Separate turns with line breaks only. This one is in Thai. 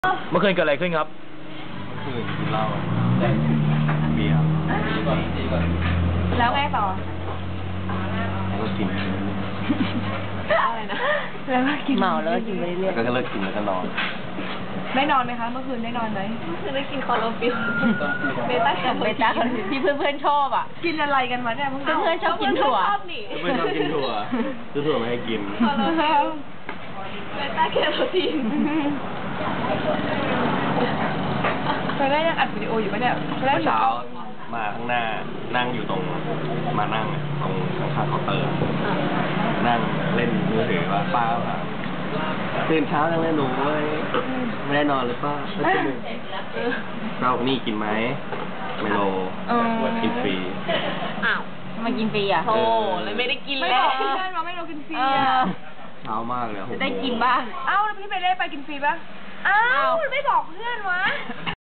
เมื่อคืนเกิดอะไรขึ้นครับ
คืนกินเหล้าเบียร์
แล้วไงต่อ
แล้วก็กิน
อะไรนะแล้วก็กินเมาแล้วก็กินไปเรื่อย
แล้วก็เลิกกินแล้วก็นอน
ได้นอนไหมคะเมื่อคืนได้นอนไหมเมื่อคืนได้กินคอโลฟิลเบต้าแคโรทีนที่เพื่อนๆชอบอ่ะกินอะไรกันมาเนี่ยเพื่อนๆชอบกินถั่ว
ไม่ชอบกินถั่วซื้อถั่วไม่ให้กิน
คอโลฟิลเบต้าแคโรทีนตอนแรกยังอัดวิดีโออยู่ปะเนี่ย
เมื่อเช้ามาข้างหน้านั่งอยู่ตรงมานั่งตรงข้างๆเคาน์เตอร์นั่งเล่นมือถือว่าป้าว่าตื่นเช้าจังเลยหนูเว้ยไม่ได้นอนหรือเปล่าเช้านี่กินไหมไมโลกินฟรี
อ้าวมากินฟรีอ่ะโธ่เลยไม่ได้กินแล้วไม่บอกเพื่อนว่าไม่เรากินฟรีอ่ะ
เช้ามากเลย
ได้กินบ้างเอ้าแล้วพี่ไปได้ไปกินฟรีป่ะอ้าว